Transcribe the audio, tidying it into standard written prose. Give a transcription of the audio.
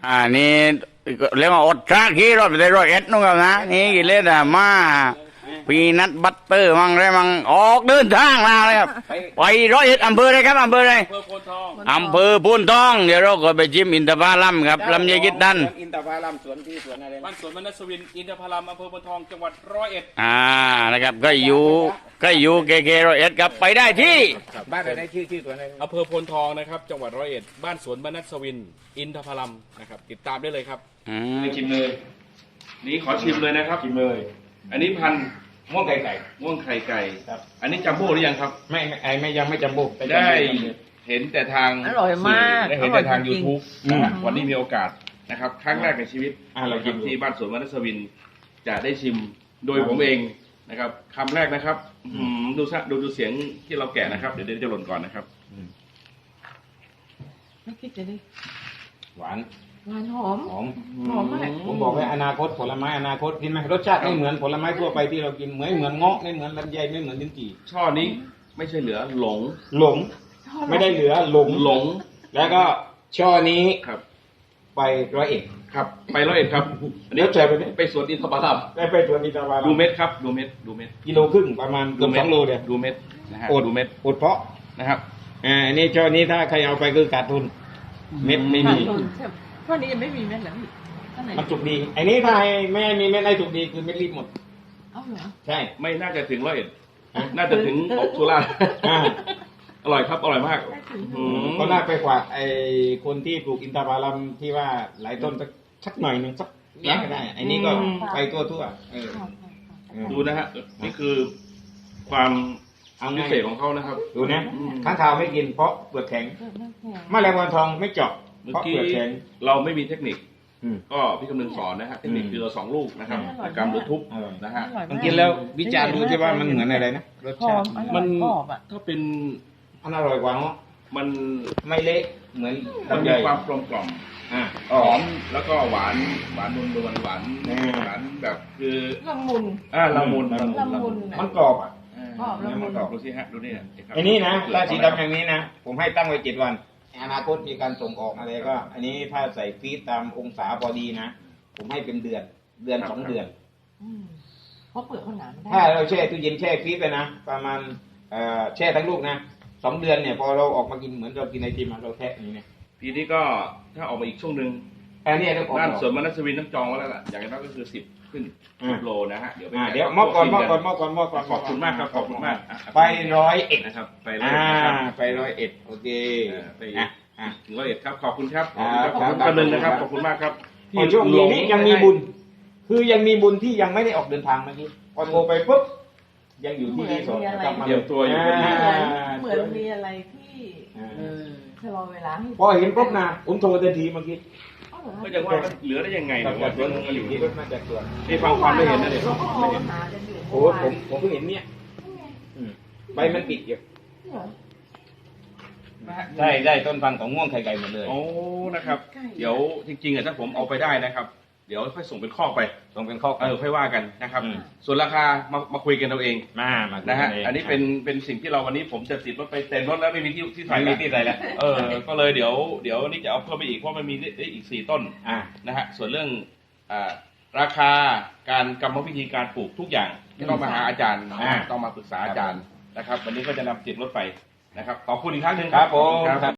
นี่เรียกว่าอดชาขี้รถไปได้101นู่นครับนะนี่กิเลสมาปีนัดบัตเตอร์มั่งไรมั่งออกเดินทางมาเลยครับไป101อำเภอเลยครับอำเภอเลยอำเภอพูนทองเดี๋ยวเราก็ไปจิ้มอินทผลัมครับลำไยกิดดันอินทผลัมสวนที่สวนอะไรบ้านสวนมนัสวินอินทผลัมอำเภอพูนทองจังหวัด101 นะครับก็อยู่เก101ครับไปได้ที่บ้านอะไรชื่อสวนอะไรอำเภอโพนทองนะครับจังหวัด101บ้านสวนมนัสวินอินทผลัมนะครับติดตามได้เลยครับชิมเลยนี่ขอชิมเลยนะครับชิมเลยอันนี้พันม่วงไข่ไก่ม่วงไข่ไก่ครับอันนี้จัมโบ้หรือยังครับไม่ยังไม่จัมโบ้ได้เห็นแต่ทางอร่อยมากได้เห็นแต่ทาง YouTube วันนี้มีโอกาสนะครับครั้งแรกในชีวิตเรากินที่บ้านสวนมนัสวินจะได้ชิมโดยผมเองนะครับคำแรกนะครับดูเสียงที่เราแกะนะครับเดี๋ยวจะหล่นก่อนนะครับไม่คิดจะได้หวานหอมมากผมบอกว่าอนาคตผลไม้อนาคตกินไหมรสชาติไม่เหมือนผลไม้ทั่วไปที่เรากินเหมือนเงาะไม่เหมือนลำไยไม่เหมือนลิ้นจี่ช่อนี้ไม่ใช่เหลือหลงไม่ได้เหลือหลงแล้วก็ช่อนี้ครับไป101 ครับไป101ครับอันนี้ไปสวนอินทผลัมได้ไปสวนอินทผลัมดูเม็ดครับดูเม็ดกิโลครึ่งประมาณเกือบ2 โลเลยดูเม็ดนะฮะดูเม็ดอดเพาะนะครับอันนี้ช่อนี้ถ้าใครเอาไปคือขาดทุนเม็ดไม่มีช่วงนี้ยังไม่มีเม็ดเหรอพี่มันสุกดีไอ้นี้ถ้าไม่มีเม็ดได้สุกดีคือเม็ดรีบหมดเอาเหรอใช่ไม่น่าจะถึง101น่าจะถึงอกสุราอร่อยครับอร่อยมากก็น่าไปกว่าไอ้คนที่ปลูกอินทผลัมที่ว่าหลายต้นสักหน่อยนึงสักนี้ก็ได้ไอ้นี้ก็ไปทั่วดูนะฮะนี่คือความพิเศษของเขานะครับดูนะข้างคาวไม่กินเพราะเปลือกแข็งแมลงวันทองไม่เจาะเพราะเปลือกแข็งเราไม่มีเทคนิคก็พี่กำลังสอนนะฮะเทคนิคคือ2 ลูกนะครับกำหรือทุบนะฮะมันกินแล้ววิจารณ์ดูใช่ว่ามันเหมือนอะไรนะรสชาติมันถ้าเป็นมันอร่อยกว่าเนาะมันไม่เละเหมือนมันมีความกลมกล่อมหอมแล้วก็หวานนวลหวานแบบคือละมุนมันกรอบมันกรอบดูสิฮะดูนี่อันนี้นะถ้าสีดำอย่างนี้นะผมให้ตั้งไว้7 วันอนาคตมีการส่งออกอะไรก็อันนี้ถ้าใส่ฟรีซตามองศาพอดีนะผมให้เป็นเดือน2 เดือนเพราะเปลือกเขาหนาถ้าเราแช่ตู้เย็นแช่ฟรีซไปนะประมาณแช่ทั้งลูกนะ2 เดือนเนี่ยพอเราออกมากินเหมือนเรากินไอติมเราแทะอย่างนี้เนี่ยปีนี้ก็ถ้าออกมาอีกช่วงนึงอันนี้ด้านสวนมนัสวินต้องจองไว้แล้วล่ะอย่างน้อยก็คือ10 ขึ้น10 โลนะฮะเดี๋ยวมอบก่อนขอบคุณมากครับขอบคุณมากไป101 นะครับไป 101โอเคไปถึง101ครับขอบคุณครับขอบคุณนึงนะครับขอบคุณมากครับช่วงนี้ยังมีบุญคือยังมีบุญที่ยังไม่ได้ออกเดินทางเมื่อกี้พอโทรไปปุ๊บยังอยู่ที่นี่สดกลับมาเตรียมตัวอยู่เหมือนมีอะไรที่ชะลอเวลาพอเห็นปุ๊บนะผมโทรทันทีเมื่อกี้ก็จะว่าเหลือได้ยังไงเนี่ยว่าสวนมันอยู่ที่มาจากสวนที่ฟังความไม่เห็นนะเนี่ยโอ้ผมเพิ่งเห็นเนี่ยใบมันปิดอยู่ได้ต้นพันธุ์ของม่วงไข่ไก่หมดเลยโอ้นะครับเดี๋ยวจริงๆถ้าผมเอาไปได้นะครับเดี๋ยวค่อยส่งเป็นข้อไปค่อยว่ากันนะครับส่วนราคามาคุยกันเราเองนะฮะอันนี้เป็นสิ่งที่เราวันนี้ผมจะติดรถไปเต็มรถแล้วไม่มีที่ใส่แล้วก็เลยเดี๋ยวนี่จะเอาเพิ่มไปอีกเพราะมันมีอีก4 ต้นนะฮะส่วนเรื่องราคาการกรรมวิธีการปลูกทุกอย่างต้องมาหาอาจารย์ต้องมาปรึกษาอาจารย์นะครับวันนี้ก็จะนำติดรถไปนะครับขอบคุณอีกครั้งหนึ่งครับผม